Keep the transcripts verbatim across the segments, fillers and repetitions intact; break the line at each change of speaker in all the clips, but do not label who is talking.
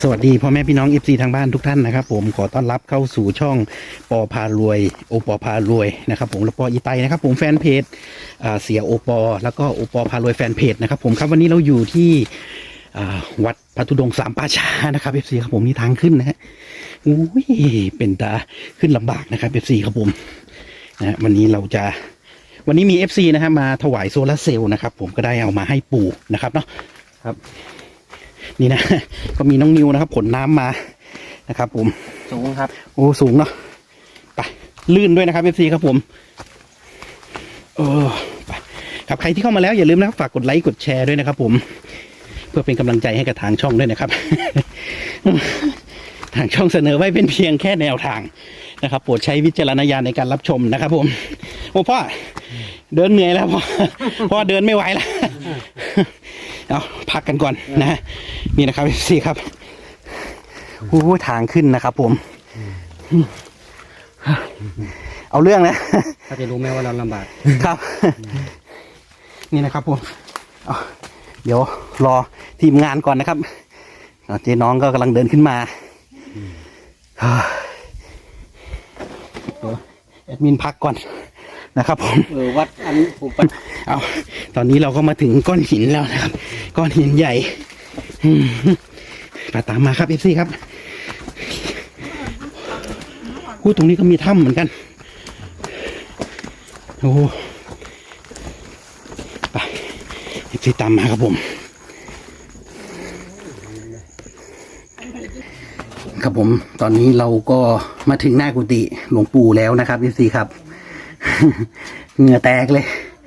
สวัสดีพ่อแม่พี่น้อง เอฟ ซี ทางบ้านทุกท่านนะครับผมขอต้อนรับเข้าสู่ช่องปอพารวยโอปอพารวยนะครับผมและปออีไตนะครับผมแฟนเพจเสียโอปอแล้วก็โอปอพารวยแฟนเพจนะครับผมครับวันนี้เราอยู่ที่วัดพระธุดงค์สามป่าช้านะครับ เอฟ ซี ครับผมนี่ทางขึ้นนะฮะอุ้ยเป็นตาขึ้นลำบากนะครับ เอฟ ซี ครับผมนะวันนี้เราจะวันนี้มี เอฟ ซี นะครับมาถวายโซลาร์เซลล์นะครับผมก็ได้เอามาให้ปู่นะครับเนาะครับนี่นะก็มีน้องนิวนะครับผลน้ำมานะครับผม
สูงครับ
โอ้สูงเนาะไปลื่นด้วยนะครับ เอฟ ซี ครับผมเออไปครับใครที่เข้ามาแล้วอย่าลืมนะครับฝากกดไลค์กดแชร์ด้วยนะครับผมเพื่อเป็นกำลังใจให้กับทางช่องด้วยนะครับ ทางช่องเสนอไว้เป็นเพียงแค่แนวทางนะครับโปรดใช้วิจารณญาณในการรับชมนะครับผมโอ้พ่อเดินเหนื่อยแล้วพ่อพ่อเดินไม่ไหวแล้วเอาพักกันก่อนนะนี่นะครับสี่ครับโอ้ทางขึ้นนะครับผมเอาเรื่องนะ
ถ้าจะรู้ไหมว่าเราลำบาก
ครับนี่นะครับผมเดี๋ยวรอทีมงานก่อนนะครับเจ๊น้องก็กำลังเดินขึ้นมาเดี๋ยวแอดมินพักก่อนนะครับผม
เออวัดอันผม
เอาตอนนี้เราก็มาถึงก้อนหินแล้วนะครับก้อนหินใหญ่ไปตามมาครับเอฟซีครับพูดตรงนี้ก็มีถ้ำเหมือนกันโอ้ไปเอฟซีตามมาครับผมครับผมตอนนี้เราก็มาถึงหน้ากุฏิหลวงปู่แล้วนะครับเอฟซีครับเหงื่อแตกเลย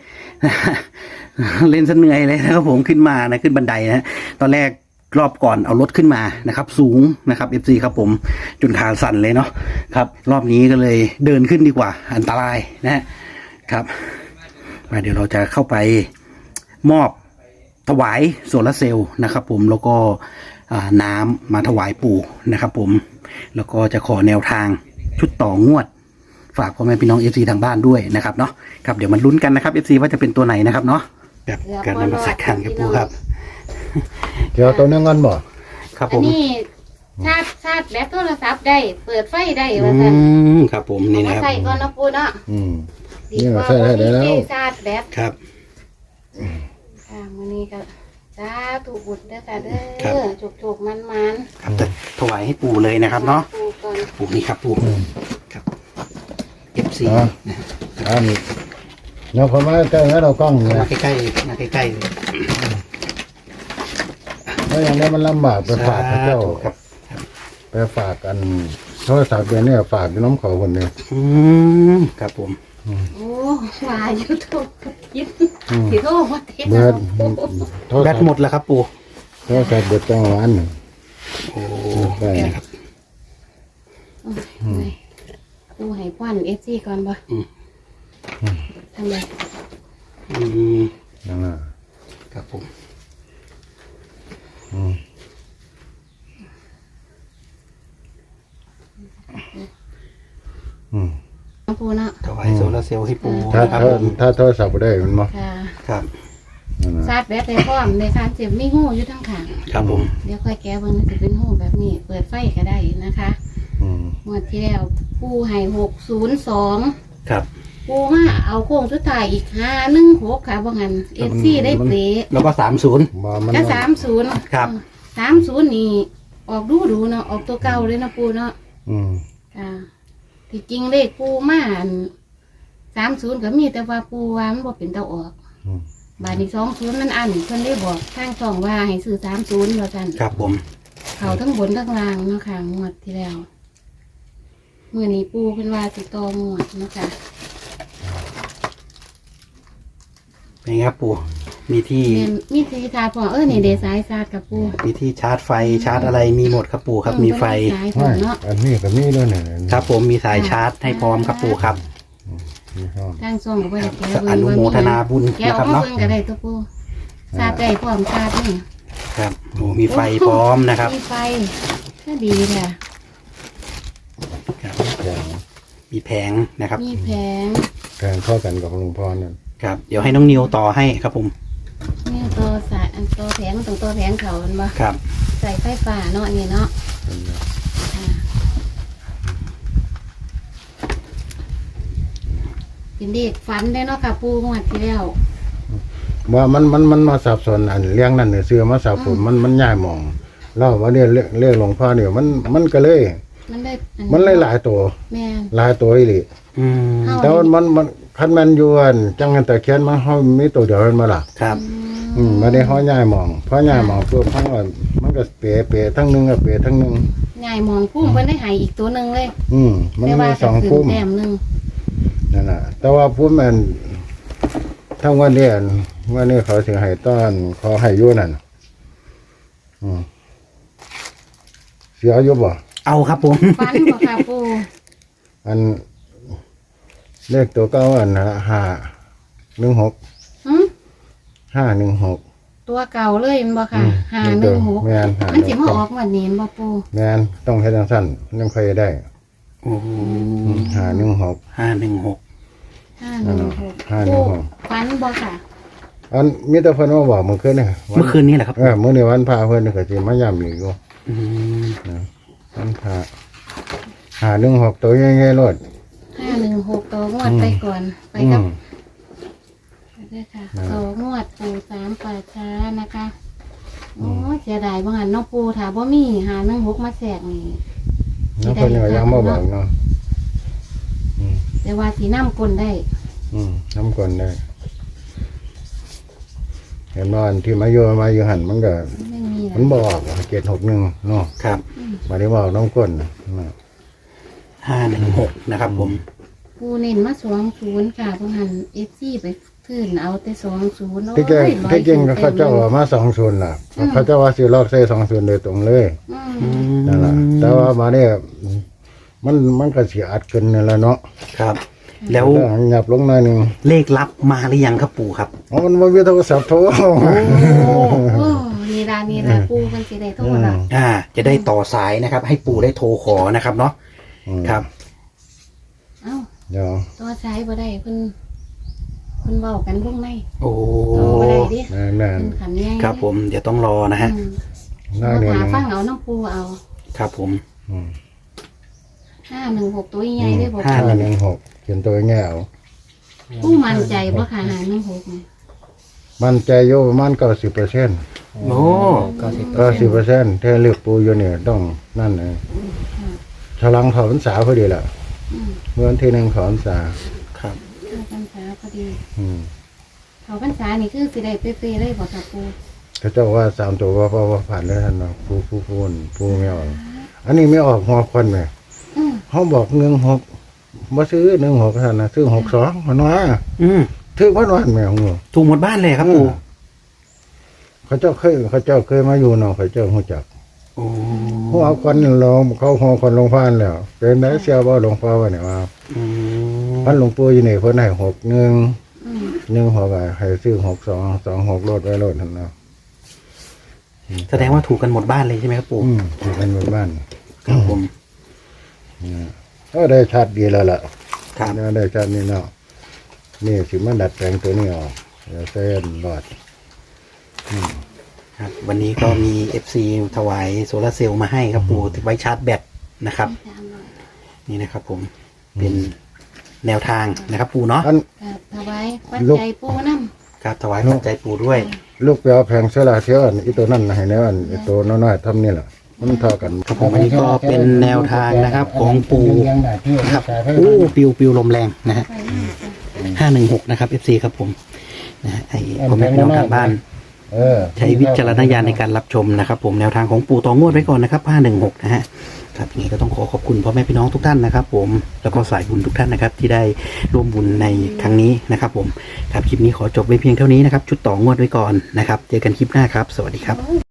เล่นซะเหนื่อยเลยนะครับผมขึ้นมานะขึ้นบันไดนะตอนแรกรอบก่อนเอารถขึ้นมานะครับสูงนะครับ เอฟ ซี ครับผมจนขาสั่นเลยเนาะครับรอบนี้ก็เลยเดินขึ้นดีกว่าอันตรายนะครับมาเดี๋ยวเราจะเข้าไปมอบถวายโซลาร์เซลล์นะครับผมแล้วก็น้ำมาถวายปู่นะครับผมแล้วก็จะขอแนวทางชุดต่องวดฝากพ่อแม่พี่น้อง เอฟ ซี ทางบ้านด้วยนะครับเนาะครับเดี๋ยวมันลุ้นกันนะครับ เอฟ ซี ว่าจะเป็นตัวไหนนะครับเนาะแบบการนำมาสักการกับปู่ครับ
เดี๋ยวตัวนึงเงินบ่
ครับผม
นี่ชาร์จชาร์จแบตโทรศัพท์ได้เปิดไฟได้ว่าซั่น
ครับผมนี่นะครับ
ใส่ก่อนนะปู่เนาะ
อืมนี่ใส่ได้แล้ว
ชาร์จแบต
ครับ
อ่ามื้อนี้ก็สาธุบุญเด้อค่ะเด้อจุกๆมันๆ
ครับจะถวายให้ปู่เลยนะครับเนาะปู่นี่ครับปู่ครับ เอฟ ซี นะ
อันนี้เนาะพอมาใกล้แล้วเรากล้องเนี่ย
มาใกล้ๆมาใกล้ๆ
แล้วอย่างนี้มันลำบากไปฝากพระเจ้าไปฝากกันโทรศัพท์เดี๋ยวนี้ฝากน้องเขาคนเดียว
อืมครับผม
โอ้มาอยู่ทุกยิบสิโทรมาเทศ
แบตหมดแล้วครับปู่
โทรศัพท์เบิดจังหวะนึง
โอ้ได้ครับ
ปู่ให้ป้อนเอฟซีก่อนบ่ทำไม
อืม
นั่นน่ะ
ครับผม
อืมอืม
ปู่เนาะ
ถวายโซลาร์เซลล์ให้ปู่
ถ้าถ้าถ้าโทรศัพท์ได้มันบ่
ครับ
ชาร์จแบตได้พร้อมในการเสียบมีหูอยู่ทั้งข้าง
ครับผม
เดี๋ยวค่อยแก้เบิ่งจะเป็นหูแบบนี้เปิดไฟก็ได้นะคะงวดที่แล้วปู่ให้หกศูนย์สอง
ครับ
ปู่มาเอาโค้งสุดท้ายอีกห้าหนึ่งหกค่ะว่างั้นเอฟซีได้เปร
แล้วก็สามศูนย์
ก็สามศูนย์
ครับ
สามศูนย์นี่ออกดูดูเนาะออกตัวเก่าเลยนะปู่เนาะ
อืม
ค่ะที่จริงเลขปู่มาสามศูนย์ก็มีแต่ว่าปู่ว่ามันบ่เป็นเตาออกบาทนี้สองศูนย์มันอันเพิ่นได้บอกทางช่องว่าให้ซื้อสามศูนย์แล้วกัน
ครับผม
เขาทั้งบนทั้งล่างเนาะค่ะงวดที่แล้วเมื่อนี้ปู่เพิ่นว่าสิต่องวดเนาะค่ะ
เป็นไงครับปู่มีที่
มีที่ชาร์จพอเออนี่เดสายชาร์จกับปู่
มีที่ชาร์จไฟชาร์จอะไรมีหมดครับปู่ครับมีไฟ
อันนี้กับนี่ด้วยเนี่ย
ครับผมมีสายชาร์จให้พร้อมครับปู่ครับ
ทางส่งก็ไปแก้
อนุโมทนาบุญ
นะครับเนาะก็ได้ตัวปู่ชาร์จได้พร้อมชาร์จนี่
ครับโอ้มีไฟพร้อมนะครับ
มีไฟก็ดีค่ะ
มีแผงนะครับ
มีแผง
แผงเข้ากันกับหลวงพ่อนั่น
ครับเดี๋ยวให้น้องนิวต่อให้ครับผม
นี่ตัวสายอันตัวแผงมันต้องตัวแผงเขามันบ่
ครับ
ใส่ไฟฟ้าเนาะอันนี่เนาะอ่าเป็นเด็กฝันได้เนาะค่ะปูงวดที่แล้ว
ว่ามันมันมันมาสับสนอันเลี้ยงนั่นเนี่ยเสือมาสับสนมันมันย่ายมองแล้วว่าเนี่ยเรียกเรียกหลวงพ่อเนี่ยมันมันก็เลย
มันได้อั
มันเลยหลายตัว
แม่น
หลายตัวอีหลี
อืม
เฮา
แต่ว่ามันมันคันแมันอยวนจังกันแต่เขียนมันเฮามีตัวเดียวมันมาล่ะ
ครับ
อืมมาได้เฮาย่ายมองเพราะย่ายมองปุ๊บเฮาก็มันก็เปะเปะทั้งหนึงก็เปะทั้งหนึง
ใหญ่มองพุ่มเพิ่นได้ใหายอีกตัวหนึงเลย
อืมมัน
แต่
มี
ว่า
ส
ก็
อง
ขึ้
พุ่
น
ม
แต้มหนึง
นั่นน่ะแต่ว่าพุ่มมันทั้งวันเนี้วันนี้เขาสิให้ต้อนเขาให้อยู่นั่นอืมเสียอยู่บ่
เอาครับผม
ฝันบ่ค่ะปู
อันเลขตัวเก้าอันนะห้าหนึ่งหก
หึ
ห้าหนึ่งหก
ตัวเก่าเลยแม่นบ่ค่ะ
อืม
ห้าหนึ่งหก
แม่นห้า
มันสิ
หนึ่ง
มา
ห
อก อกวันนี้แม่นบ่ปู
แมนต้องให้ดังสั้นยังค่อยได้
โอ้โห
ห้าหนึ่งหก
ห้าหนึ่งหก
ห้าหนึ่งหก
ห้าหนึ่งหก
ฝันบ่ค่ะ
อันมีแต่เพิ่นมาบอกเมื่อคืนนี่
เมื่อคืนนี้แหละครับ
เออมื้อนี้วันพาเพิ่นก็สิมาย้ำอีกอยู่
อืม
นะวันพาห้าหนึ่งหกตัวใหญ่ๆโลด
ห้าหนึ่งหกตัวงวด
อืม
ไปก่อนไป
อื
กับ
ม
ไปด้วยค่ะ
นะ
สองงวดปูสามป่าช้านะคะโอ้ยเสียดายบ่หันน้องปูถามว่ามีหาหนึ่งหกมาแสกนี่
แล้วเพิ่นก็ยังมาบอกเนาะอืม
แต่ว่าสีน้ำกลนได้
อืมน้ำก่อนได้ เห็นว่าอันที่มาอยู่มาอยู่หันมันก็
ไม่มีแล้
มัน
ว
บอกเจ็ดหกหนึ่งเนาะ
ครับ
มาได้บอกน้องก้นนะ
ห้าหนึ่งหกนะครับผม
ปูเน้นมาสองศูนย์ค่ะบ่หันเอฟซีไปขึ้นเอาแต่สองศูนย์
ที่เก่งที่เก่งก็เขาเจ้าว่ามาสองศูนย์ล่ะเขาเจ้าว่าสิลอกใส่สองศูนย์โดยตรงเลย
อื
อื
ม
ม
นั่นแหละแต่ว่ามาเนี่ยมันมันก็เสียอัดขึ้นนั่นแหละเนาะ
ครับ แล้ว
หยับลงหน่อยหนึ่ง
เลขลับมาหรือยังครับปู่ครับ
อ๋อมันบ่มีโทรศัพท์โทร
โอ้โอ้นี่ละนี่ละปูมันสิได้โทษละ
อ่า จะได้ต่อสายนะครับ ให้ปู่ได้โทรขอนะครับเนาะ
อืม
ครับ
เอ้า
เดี๋ยว
ตัวใช้บ่ได้เพิ่นเพิ่นเว้ากันวงใน
โอ้
โตบ่ได้ดิ
นั่นนั่น
เพิ่นขันใหญ่
ครับผม เดี๋ยวต้องรอนะฮะ
อืม
หน้า
มา
เดียว
หา
นึง
ฟังเอาน้ำปูเอา
ครับผม
อืม
ห้าหนึ่งหกตัวใหญ่ได้บ่
ห้า
ห้าหนึ่งหกเขียนตัวแง่เอา
ปูมั่นใจบ่ค่ะหาหนึ่งหกนี่
มันใจโยประมาณเก้าสิบเปอร์เซ็นต์
โอ้
เก้าสิบ
เก้าสิบเปอร์เซ็นต์ถ้าเลือกปูอยู่เนี่ยต้องนั่นเลย
ค่ะ
ฉลังเขอพรรษาพอดีแหละ
อืม
เมื่อวันที่หนึ่งเขอพรรษา
ครับ
เข้าพรรษาพอดี
อืม
เขาพรรษานี่คือสิได้เป๊ะๆเลยบ่ค่ะปู
เขาเจ้าว่าสามตัวว่าว่าว่าผ่านแล้วท่านเนาะปูปูปูนปูไม่ออกอันนี้ไม่ออกหัวคนไหม
อืม
เขาบอกหนึ่งหกมาซื้อหนึ่งหกท่านนะซื้อหกสองมันว่า
อืม
ถือวันวันแมวงู
ถูกหมดบ้านเลยครับปู่
เขาเจ้าเคยเขาเจ้าเคยมาอยู่เนาะเขาเจ้าหัวจัก
โอ้
หัวคนลงเขาหัวคนลงพานแล้วเป็นไหนเสียบ่หลวงพ่อวะเนี่ยว่า
อืม
พันหลวงปู่อยู่นี่เพิ่นให้หกหนึ่ง
อืม
หนึ่งหกอะให้ซื้อหกสองสองหกโลดไว้โลดท่านเนาะ
แสดงว่าถูกกันหมดบ้านเลยใช่ไหมครับปู่
อืมอยู่กันหมู่บ้าน
ครับผม
ก็ได้ชัดดีแล้วล่ะ
ครับ
เนี่ยได้ชัดนี่เนาะนี่สิมันดัดแปลงตัวนี้ออกเดี๋ยวเส้นรอด
ครับ วันนี้ก็มี เอฟ ซี ถวายโซลาร์เซลล์มาให้ครับปู่ไว้ชาร์จแบตนะครับ
ตามหน่อย
นี่นะครับผม เป็นแนวทางนะครับปู่เนาะ
อัน
ครับถวายปัจ
ลูก
จัยปูนำ
ครับถวายปัจจัยปู่ด้วย
ลูกไปเอาแผงเสลาเทียวอันอีตัวนั่นให้แนวอันอีตัวน้อยๆทำนี่แหละมันเท่ากัน
ครับผมอันนี้ก็เป็นแนวทางนะครับของปู่นะครับโอ้ปิวปิวลมแรงนะฮะ
ไปมากจ้ะ
ห้าหนึ่งหกนะครับ เอฟ ซี ครับผมนะฮะไอ้พ่อแม่พี่น้องทางบ้าน
เออ
ใช้วิจารณญาณในการรับชมนะครับ ผมแนวทางของปู่ต่องวดไว้ก่อนนะครับห้าหนึ่งหกนะฮะครับอย่างนี้ก็ต้องขอขอบคุณพ่อแม่พี่น้องทุกท่านนะครับ ผมแล้วก็สายบุญทุกท่านนะครับ ที่ได้ร่วมบุญในครั้งนี้นะครับ ผมครับคลิปนี้ขอจบไว้เพียงเท่านี้นะครับ ชุดต่องวดไว้ก่อนนะครับ เจอกันคลิปหน้าครับ สวัสดีครับ
โอ้ย